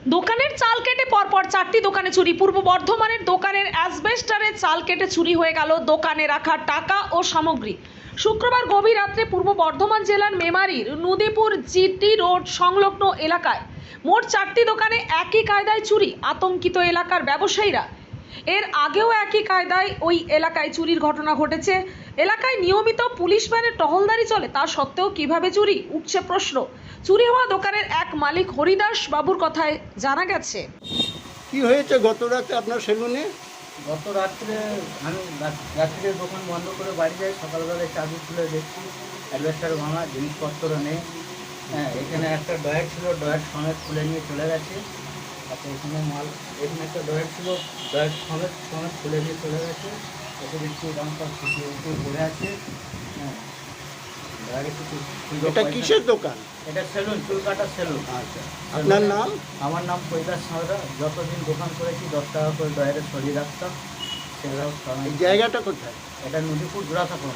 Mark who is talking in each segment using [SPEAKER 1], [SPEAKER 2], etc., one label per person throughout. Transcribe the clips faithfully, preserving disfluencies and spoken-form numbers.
[SPEAKER 1] দোকানের চাল কেটে পরপর চারটি দোকানে চুরি। পূর্ব বর্ধমানের দোকানের অ্যাসবেস্টারের চাল কেটে চুরি হয়ে গেল দোকানে রাখা টাকা ও সামগ্রী। শুক্রবার গভীর রাত্রে পূর্ব বর্ধমান জেলার মেমারির নদীপুর জিটি রোড সংলগ্ন এলাকায় মোট চারটি দোকানে একই কায়দায় চুরি। আতঙ্কিত এলাকার ব্যবসায়ীরা। এর আগেও একই কায়দায় ওই এলাকায় চুরির ঘটনা ঘটেছে। এলাকায় নিয়মিত পুলিশ ভ্যানের টহলদারি চলে, তা সত্ত্বেও কিভাবে চুরি, উঠছে প্রশ্ন। চুরি হওয়া দোকানের এক মালিক হরিদাস বাবুর কথায় জানা গেছে।
[SPEAKER 2] কি হয়েছে গত রাতে আপনার সেলুনে?
[SPEAKER 3] গত রাত্রে আমি রাত্রে দোকান বন্ধ করে বাড়ি যাই। সকালবেলায় চাবি খুলে দেখছি অ্যাডভেস্টার ভাঙা, জিনিসপত্র নেই। হ্যাঁ, এখানে একটা ডয়ার ছিল, ডয়ার সমেত খুলে নিয়ে চলে গেছে। আচ্ছা, এখানে মাল, এখানে একটা ডয়ার ছিল, ডয়ার সমেত সমেত খুলে নিয়ে চলে গেছে। এসে দেখছি দাম সব ফুটিয়ে উঠে পড়ে আছে। হ্যাঁ, ডয়ারে কিছু।
[SPEAKER 2] এটা কিসের দোকান?
[SPEAKER 3] এটা সেলুন, চুল কাটা সেলুন।
[SPEAKER 2] আচ্ছা, আপনার নাম?
[SPEAKER 3] আমার নাম কৈলাস সাঁতরা। যতদিন দোকান করেছি দশ টাকা করে ডয়ারে সরিয়ে রাখতাম। সেগুলো
[SPEAKER 2] এই জায়গাটা কোথায়?
[SPEAKER 3] এটা নদীপুর জোড়াসাঁকো।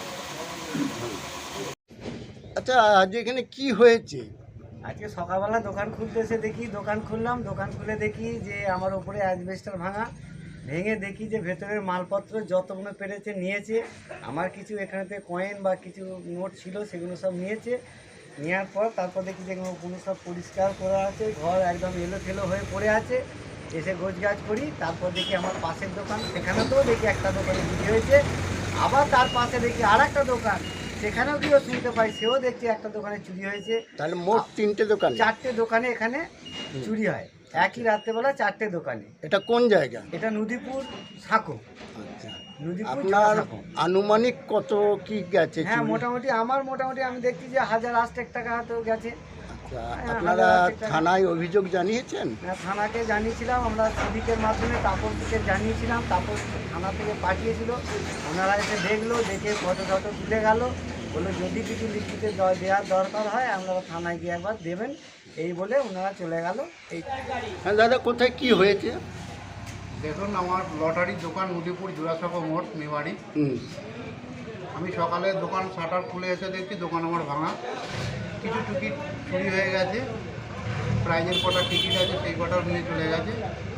[SPEAKER 2] আচ্ছা, আজ এখানে কি হয়েছে?
[SPEAKER 3] আজকে সকালবেলা দোকান খুলতে এসে দেখি, দোকান খুললাম, দোকান খুলে দেখি যে আমার ওপরে অ্যাসবেস্টার ভাঙা। ভেঙে দেখি যে ভেতরের মালপত্র যতগুলো পেরেছে নিয়েছে। আমার কিছু এখানেতে কয়েন বা কিছু নোট ছিল, সেগুলো সব নিয়েছে। নেওয়ার পর তারপর দেখি যে কোনো সব পরিষ্কার করা আছে, ঘর একদম এলো ঠেলো হয়ে পড়ে আছে। এসে গোছগাছ করি, তারপর দেখি আমার পাশের দোকান, সেখানেতেও দেখি একটা দোকানে চুরি হয়েছে। আবার তার পাশে দেখি আর একটা দোকান, সেখানেও গিয়েও শুনতে পাই, সেও দেখছি একটা দোকানে চুরি হয়েছে।
[SPEAKER 2] তাহলে মোট তিনটে দোকান?
[SPEAKER 3] চারটে দোকানে এখানে চুরি হয় একই রাত্রেবেলা, চারটে দোকানে।
[SPEAKER 2] এটা কোন জায়গা?
[SPEAKER 3] এটা নদীপুর সাঁকো।
[SPEAKER 2] আচ্ছা,
[SPEAKER 3] নদীপুর
[SPEAKER 2] আপনার
[SPEAKER 3] সাঁকো।
[SPEAKER 2] আনুমানিক কত কি গেছে?
[SPEAKER 3] হ্যাঁ,
[SPEAKER 2] চুরি?
[SPEAKER 3] মোটামুটি আমার মোটামুটি আমি দেখছি যে হাজার আষ্টেক টাকা তো গেছে।
[SPEAKER 2] আচ্ছা,
[SPEAKER 3] হ্যাঁ,
[SPEAKER 2] আপনারা
[SPEAKER 3] হাজার আষ্টেক টাকা।
[SPEAKER 2] থানায় অভিযোগ জানিয়েছেন?
[SPEAKER 3] হ্যাঁ, থানাকে জানিয়েছিলাম আমরা, সিভিকের মাধ্যমে তাপসকে জানিয়েছিলাম। তাপস থানা থেকে পাঠিয়েছিল, ওনারা এসে দেখলো, দেখে ফটো টটো তুলে গেল, বললো যদি কিছু লিখিতে দ- দেওয়ার দরকার হয় আপনারা থানায় গিয়ে একবার দেবেন, এই বলে ওনারা চলে গেল। এই
[SPEAKER 2] হ্যাঁ দাদা, কোথায় কি হয়েছে?
[SPEAKER 4] দেখুন, আমার লটারির দোকান নদীপুর জোড়াসাঁকো মোড় মেমারি।
[SPEAKER 2] হুম,
[SPEAKER 4] আমি সকালে দোকান শাটার খুলে এসে দেখছি দোকান আমার ভাঙা। কিছু টিকিট চুরি হয়ে গেছে, প্রাইজের কটা টিকিট আছে সেই কটাও নিয়ে চলে গেছে।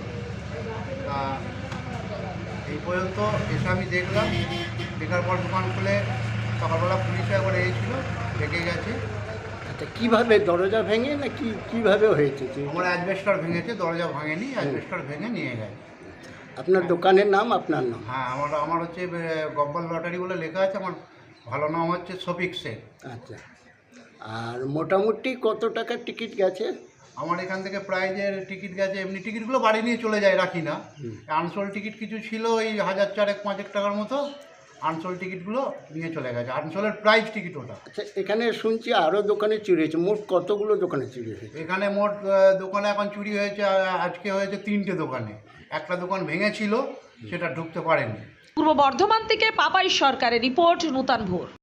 [SPEAKER 4] তা এই পর্যন্ত এসে আমি দেখলাম, দেখার পর দোকান খুলে সকালবেলা পুলিশে একবার এসেছিল, ডেকে গেছে।
[SPEAKER 2] আচ্ছা, কিভাবে দরজা ভেঙে না কি কিভাবে হয়েছে? যে
[SPEAKER 4] আমার অ্যাডভেস্টার ভেঙেছে, দরজা ভাঙেনি, অ্যাডভেস্টার ভেঙে নিয়ে গেছে।
[SPEAKER 2] আপনার দোকানের নাম? আপনার নাম?
[SPEAKER 4] হ্যাঁ, আমার আমার হচ্ছে গব্বর লটারি বলে লেখা আছে। আমার ভালো নাম হচ্ছে শফিক শেখ।
[SPEAKER 2] আচ্ছা, আর মোটামুটি কত টাকার টিকিট গেছে?
[SPEAKER 4] আমার এখান থেকে প্রাইজের টিকিট গেছে, এমনি টিকিটগুলো বাড়ি নিয়ে চলে যায়, রাখি না।
[SPEAKER 2] হুম।
[SPEAKER 4] আনসোল টিকিট কিছু ছিল এই হাজার চারেক পাঁচেক টাকার মতো, আনসোল টিকিটগুলো নিয়ে চলে গেছে। আনসোলের প্রাইজ টিকিট ওটা।
[SPEAKER 2] আচ্ছা, এখানে শুনছি আরও দোকানে চুরি হয়েছে। মোট কতগুলো দোকানে চুরি হয়েছে?
[SPEAKER 4] এখানে মোট আহ, দোকানে এখন চুরি হয়েছে, আহ, আজকে হয়েছে তিনটে দোকানে। একটা দোকান ভেঙেছিল, সেটা ঢুকতে পারেনি।
[SPEAKER 1] পূর্ব বর্ধমান থেকে পাপাই সরকারের রিপোর্ট, নূতন ভোর।